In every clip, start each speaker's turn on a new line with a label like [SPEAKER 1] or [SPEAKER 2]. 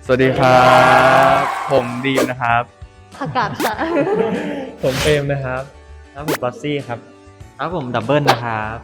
[SPEAKER 1] สวัสดีครับผมดีมนะครับ
[SPEAKER 2] ผักกาดค่ะ
[SPEAKER 3] ผมเฟรมนะครับครับผมบอสซี่ครับครับผมดับเบิลนะครับ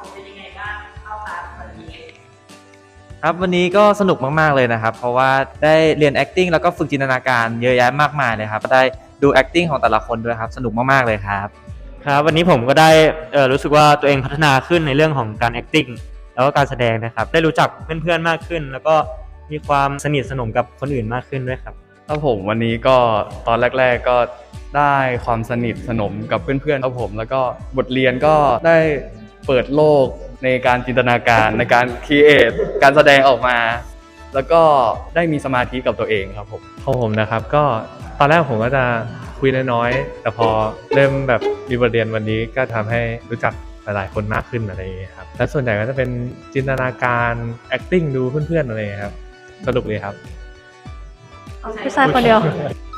[SPEAKER 3] ครับวันนี้ก็สนุกมากๆเลยนะครับเพราะว่าได้เรียน acting แล้วก็ฝึกจินตนาการเยอะแยะมากมายเลยครับได้ดู acting ของแต่ละคนด้วยครับสนุกมากๆเลยครับ
[SPEAKER 4] ครับวันนี้ผมก็ได้รู้สึกว่าตัวเองพัฒนาขึ้นในเรื่องของการ acting แล้วก็การแสดงนะครับได้รู้จักเพื่อนๆมากขึ้นแล้วก็มีความสนิทสนมกับคนอื่นมากขึ้นด้วยครับ
[SPEAKER 1] ครับผมวันนี้ก็ตอนแรกๆก็ได้ความสนิทสนมกับเพื่อนๆครับผมแล้วก็บทเรียนก็ได้เปิดโลกในการจินตนาการในการครีเอทการแสดงออกมา แล้วก็ได้มีสมาธิกับตัวเองครับผม
[SPEAKER 3] ของผมนะครับก็ตอนแรกผมก็จะคุยน้อยๆแต่พอเริ่มแบบมีบทเรียนวันนี้ก็ทำให้รู้จักหลายๆคนมากขึ้นอะไรอย่างเงี้ยครับและส่วนใหญ่ก็จะเป็นจินตนาการ acting ดูเพื่อนๆอะไรอย่างเงี้ยครับสนุกเลยครับ
[SPEAKER 2] ผู้ชายคนเดียว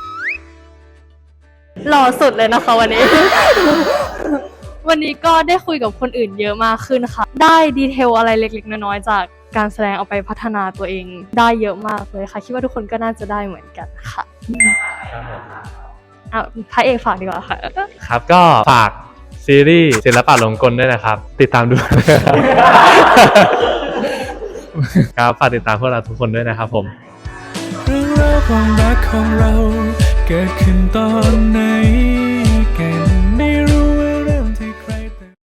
[SPEAKER 2] หล่อสุดเลยนะคะวันนี้ วันนี้ก็ได้คุยกับคนอื่นเยอะมากขึ้นค่ะได้ดีเทลอะไรเล็กๆน้อยๆจากการแสดงเอาไปพัฒนาตัวเองได้เยอะมากเลยค่ะคิดว่าทุกคนก็น่าจะได้เหมือนกันค่ะพระเอกฝากดีกว่าค่ะ
[SPEAKER 3] ครับก็ฝากซีรีส์ศิลปะหลงกลด้วยนะครับติดตามดู ครับฝากติดตามพวกเราทุกคนด้วยนะครับผม
[SPEAKER 5] เรื่องราวความรักของเราเกิดขึ้นตอนไหน